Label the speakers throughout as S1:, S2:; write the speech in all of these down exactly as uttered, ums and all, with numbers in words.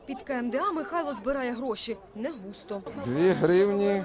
S1: Під КМДА Михайло збирає гроші. Не густо.
S2: Дві гривні,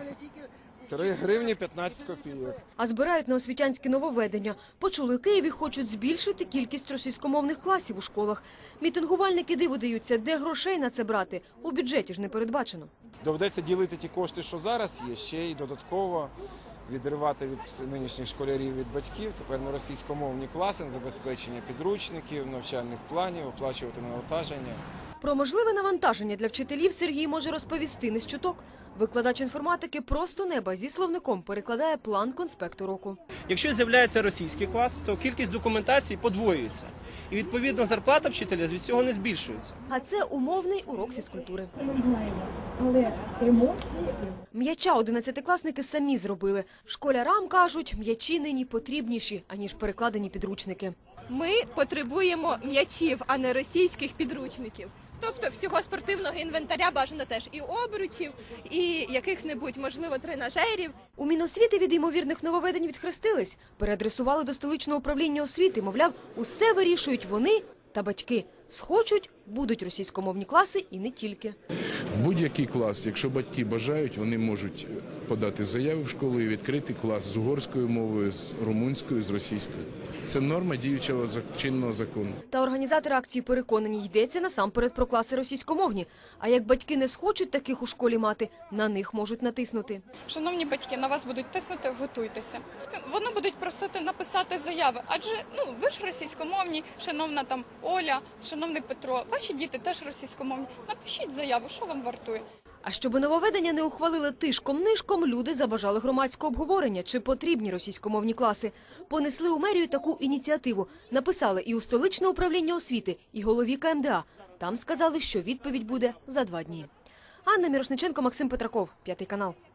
S2: три гривні п'ятнадцять копійок.
S1: А збирають на освітянське нововведення. Почули, у Києві хочуть збільшити кількість російськомовних класів у школах. Мітингувальники диву даються, де грошей на це брати. У бюджеті ж не передбачено.
S2: Доведеться ділити ті кошти, що зараз є, ще й додатково відривати від нинішніх школярів, від батьків. Тепер на російськомовні класи, на забезпечення підручників, навчальних планів, оплачувати навантаження.
S1: Про можливе навантаження для вчителів Сергій може розповісти не з чуток. Викладач інформатики просто неба зі словником перекладає план конспекту року.
S3: Якщо з'являється російський клас, то кількість документації подвоюється. І, відповідно, зарплата вчителя від цього не збільшується.
S1: А це умовний урок фізкультури.
S4: Ми знаємо, але емоції...
S1: М'яча одинадцятикласники самі зробили. Школярам кажуть, м'ячі нині потрібніші, аніж перекладені підручники.
S5: Ми потребуємо м'ячів, а не російських підручників. Тобто всього спортивного інвентаря бажано теж і обручів, і яких-небудь, можливо, тренажерів.
S1: У Міносвіти від ймовірних нововведень відхрестились. Переадресували до столичного управління освіти. Мовляв, усе вирішують вони та батьки. Схочуть – будуть російськомовні класи і не тільки.
S6: В будь-який клас, якщо батьки бажають, вони можуть подати заяву в школу і відкрити клас з угорською мовою, з румунською, з російською. Це норма діючого чинного закону.
S1: Та організатори акції переконані, йдеться насамперед про класи російськомовні. А як батьки не схочуть таких у школі мати, на них можуть натиснути.
S7: Шановні батьки, на вас будуть тиснути, готуйтеся. Вони будуть просити написати заяви, адже ну ви ж російськомовні, шановна там Оля, шановний Петро, ваші діти теж російськомовні. Напишіть заяву, що вам вартує.
S1: А щоб нововведення не ухвалили тишком-нишком, люди забажали громадського обговорення, чи потрібні російськомовні класи. Понесли у мерію таку ініціативу. Написали і у столичне управління освіти, і голові КМДА. Там сказали, що відповідь буде за два дні. Анна Мірошниченко, Максим Петраков, П'ятий канал.